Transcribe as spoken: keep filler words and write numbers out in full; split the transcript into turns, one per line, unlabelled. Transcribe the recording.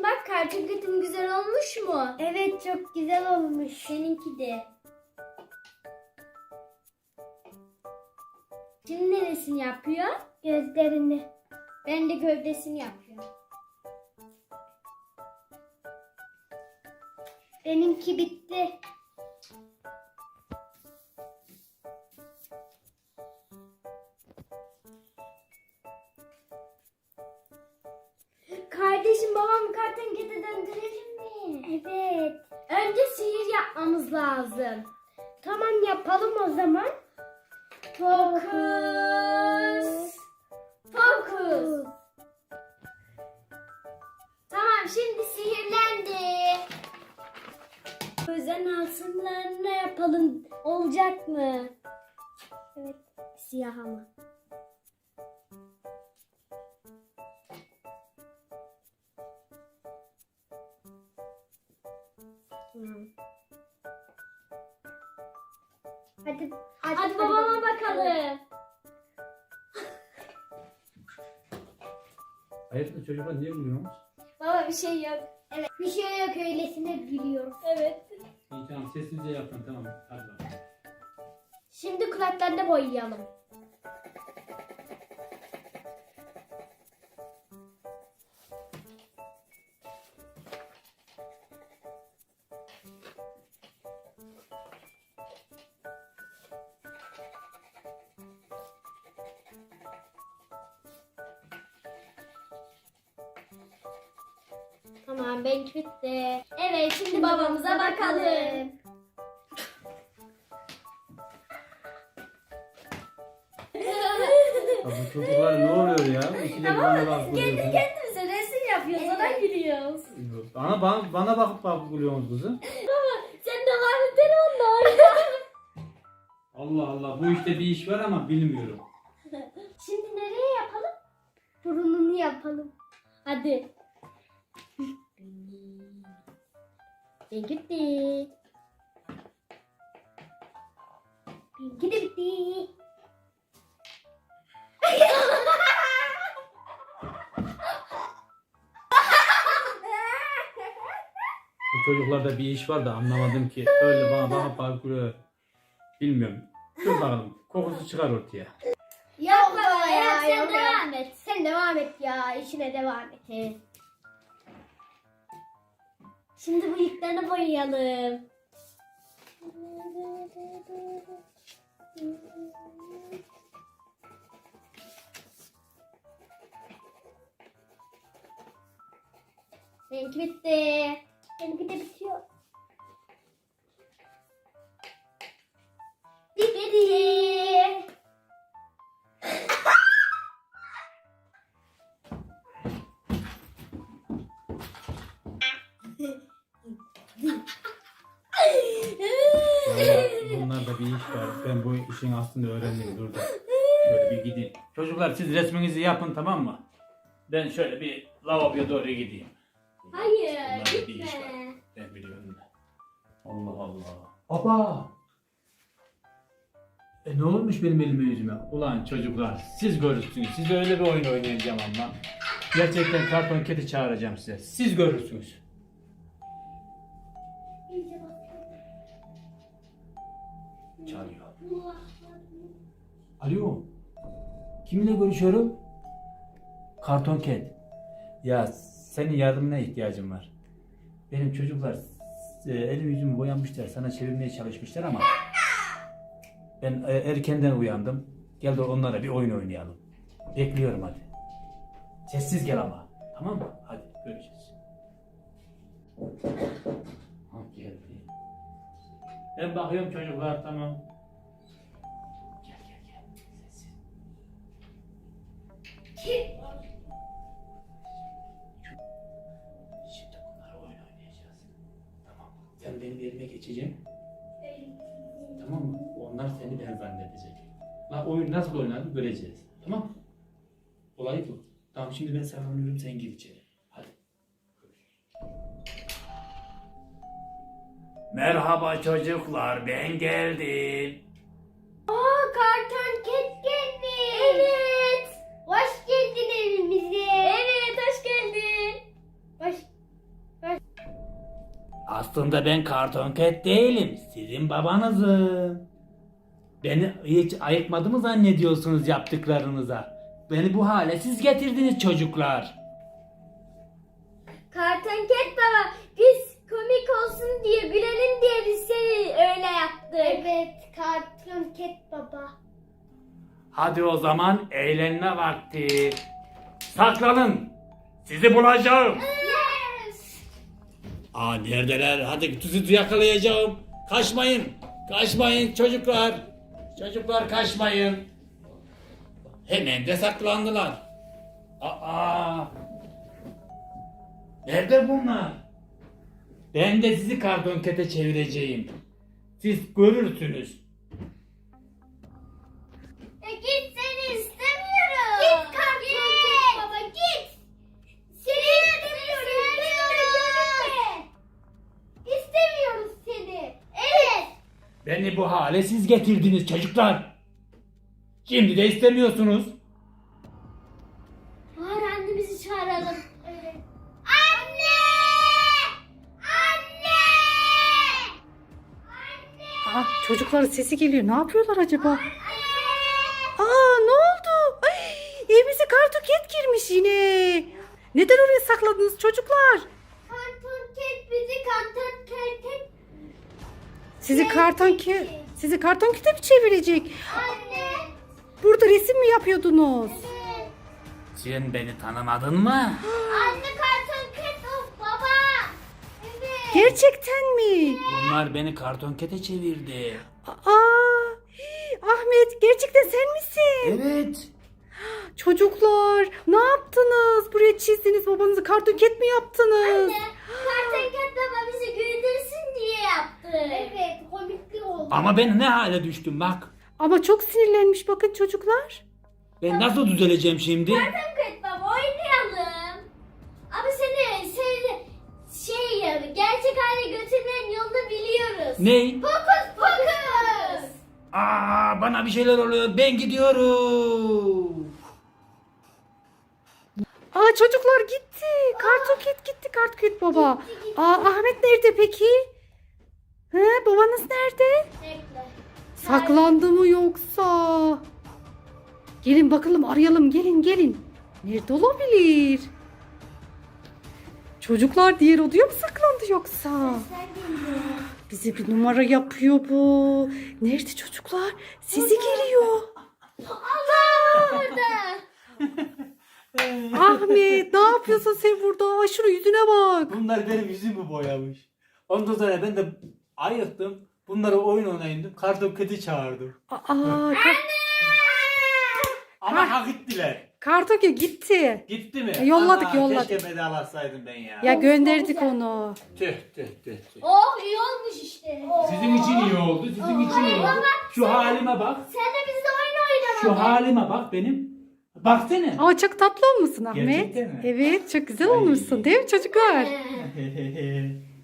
bak, karton ketim güzel olmuş mu?
Evet, çok güzel olmuş.
Seninki de. Şimdi neresini yapıyor?
Gözlerini.
Ben de gövdesini yapıyorum.
Benimki bitti.
Kardeşim, babamı karton kete döndürelim mi?
Evet.
Önce sihir yapmamız lazım.
Tamam, yapalım o zaman.
Fokus. Fokus. Tamam, şimdi sihirlendi. Özen altınlarını ne yapalım? Olacak mı?
Evet.
Siyah ama. Tamam.
Hadi,
Hadi,
hadi
babama bakalım.
Hayırdır çocuklar, niye gülüyorsunuz?
Baba, bir şey yok.
Evet. Bir şey yok, öylesine gülüyoruz.
Evet.
İyi tamam, sessizce yapın, tamam. Hadi bakalım.
Şimdi kulaklarını boyayalım. Tamam, benimki bitti. Evet, şimdi babamıza bakalım.
Ya bu çocuklar ne oluyor ya? İkide bir bana bakıp
Kendi
gülüyorsunuz.
kendimize resim yapıyoruz, ona gülüyoruz.
Bana, bana, bana bakıp bakıp gülüyorsunuz kızım.
Sen de harbiden onlar.
Allah Allah, bu işte bir iş var ama bilmiyorum.
Şimdi nereye yapalım?
Burnunu yapalım.
Hadi. Ben gitti.
Benimki de bitti.
Bu çocuklarda bir iş var da anlamadım ki. Öyle bana bakıp bakıp gülüyor. Bilmiyorum. Dur bakalım, kokusu çıkar ortaya.
Yok
baba
baba
ya,
ya,
sen
yok
devam
ya.
et.
Sen devam et ya, işine devam et.
Evet. Şimdi bıyıklarını boyayalım. Benimki bitti.
Benimki de bitiyor.
Bitti.
Vallahi bunlarda bir iş var. Ben bu işin aslında öğrendim. Dur da. Şöyle bir gideyim. Çocuklar, siz resminizi yapın, tamam mı? Ben şöyle bir lavaboya doğru gideyim.
Hayır,
Bunlarda bir iş var.
gitme.
Ben biliyorum da. Allah Allah. Baba! E ne olmuş benim elime yüzüme? Ulan çocuklar, siz görürsünüz. Size öyle bir oyun oynayacağım ama. Gerçekten karton kedi çağıracağım size. Siz görürsünüz. Çağırıyor. Alo. Kiminle görüşüyorum? Karton Cat. Ya senin yardımına ihtiyacım var. Benim çocuklar e, elim yüzümü boyanmışlar. Sana çevirmeye çalışmışlar ama ben e, erkenden uyandım. Gel de onlara bir oyun oynayalım. Bekliyorum hadi. Sessiz gel ama. Tamam mı? Hadi görüşürüz. Ha, geldi. Ben bakıyorum çocuklar, tamam. Gel gel gel. Sessiz. Şimdi bunlarla oyun oynayacağız. Tamam. Sen benim yerime geçeceksin. Tamam mı? Onlar seni ben zannedecek. La oyun nasıl oynanır göreceğiz. Tamam mı? Olay bu. Tamam, şimdi ben saklanıyorum, sen gir içeri. Hadi. Merhaba çocuklar, ben geldim.
Aa, karton ket gelmiş.
Evet.
Hoş geldin evimize.
Evet, hoş geldin.
Hoş,
Aslında ben karton ket değilim. Sizin babanızım. Beni hiç ayıkmadı mı zannediyorsunuz yaptıklarınıza? Beni bu hale siz getirdiniz çocuklar.
Karton Ket baba, biz komik olsun diye, gülelim diye biz seni öyle yaptık. Evet, Karton Ket baba.
Hadi o zaman eğlenme vakti. Saklanın. Sizi bulacağım.
Yes!
Aa neredeler? Hadi sizi yakalayacağım. Kaçmayın. Kaçmayın çocuklar. Çocuklar kaçmayın. Hemen de saklandılar. Aa. Nerede bunlar? Ben de sizi karton kete çevireceğim. Siz görürsünüz.
E git, seni istemiyorum. Git Karton Ket baba, git. Seni istemiyoruz. Görünme. İstemiyoruz seni. Evet.
Beni bu hale siz getirdiniz çocuklar. Şimdi de istemiyorsunuz.
Var, annemizi çağıralım. Evet. Anne! Anne! Anne!
Aa, çocukların sesi geliyor. Ne yapıyorlar acaba? Aa, ne oldu? Ay, evimize kartoket girmiş yine. Neden oraya sakladınız çocuklar?
Karton Ket bizi Karton Ket.
Sizi karton ke sizi karton kete mi çevirecek?
Anne!
Burada resim mi yapıyordunuz?
Evet.
Sen beni tanımadın mı?
Anne, Karton Ket of baba. Evet.
Gerçekten mi?
Bunlar beni karton kete çevirdi.
Aa, hii, Ahmet gerçekten sen misin?
Evet.
Çocuklar ne yaptınız? Buraya çizdiniz, babanızı karton ket mi yaptınız?
Anne, Karton Ket baba bizi güldürsün diye yaptı. Evet, komikli oldu.
Ama ben ne hale düştüm bak.
Ama çok sinirlenmiş bakın çocuklar.
Ben nasıl düzeleceğim şimdi?
Karton Ket baba, oynayalım. Ama seni, seni şey ya, gerçek hale götürmenin yolunu biliyoruz.
Ney?
Fokus fokus.
Aa bana bir şeyler oluyor. Ben gidiyorum.
Aa çocuklar gitti. Kartoket gitti, kartoket baba. Aa Ahmet nerede peki? He, babanız nerede?
Bekle.
Saklandı mı yoksa? Gelin bakalım, arayalım, gelin gelin. Nerede olabilir? Çocuklar diğer odaya mı saklandı yoksa?
Sen geliyor.
Bize bir numara yapıyor bu. Nerede çocuklar? Sizi geliyor.
Allah orada.
Ahmet ne yapıyorsun sen burada? Ay şunun yüzüne bak.
Bunlar benim yüzümü boyamış. Ondan sonra ben de ayıktım. Bunları oyun oynayındım. Karton keti çağırdım.
Aa, ka-
Ama hak ettiler.
kartoket gitti.
Gitti mi?
Yolladık,
Ana,
yolladık.
Keşke vedalaşsaydım ben ya.
Ya gönderdik onu.
Tüh tüh tüh tüh.
Oh, iyi olmuş işte.
Sizin için iyi oldu. Sizin için iyi oldu. Şu halime bak.
Sen de bizle oyun
Şu
oynamadın.
halime bak benim. Baksana.
Ama çok tatlı olmuşsun Ahmet.
Gerçekten mi?
Evet çok güzel
Ay.
olmuşsun değil mi çocuklar?
Ee.